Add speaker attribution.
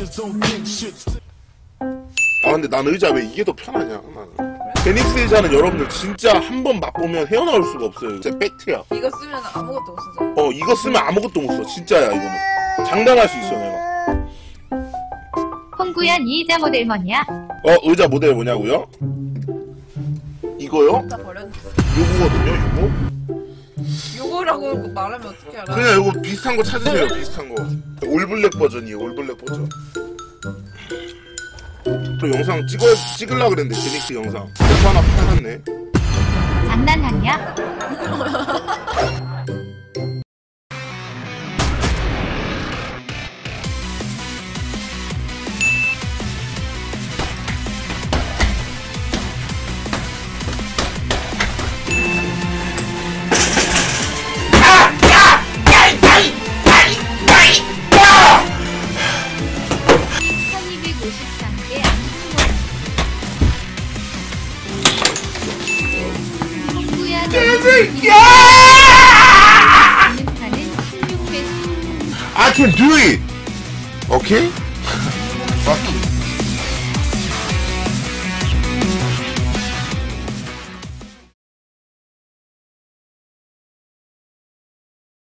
Speaker 1: 아 근데 난 의자 왜 이게 더 편하냐 나는. 제닉스 의자는 여러분들 진짜 한 번 맛보면 헤어나올 수가 없어요. 진짜 팩트야.
Speaker 2: 이거 쓰면 아무것도 못 쓰죠.
Speaker 1: 이거 쓰면 아무것도 못 써. 진짜야 이거는. 장담할 수 있어 내가.
Speaker 3: 홍구야 니 의자 모델 뭐냐?
Speaker 1: 의자 모델 뭐냐고요? 이거요?
Speaker 2: 다 버렸는데.
Speaker 1: 요거거든요 요거?
Speaker 2: 요거라고 말하면 어떻게 알아?
Speaker 1: 그냥 요거 비슷한 거 찾으세요. 비슷한 거. 올블랙 버전이에요. 올블랙 버전. 또 영상 찍으려고 그랬는데 제닉스 영상 그래서 하나 팔았네.
Speaker 3: 장난하냐?
Speaker 1: I can do it. Okay? Fuck you.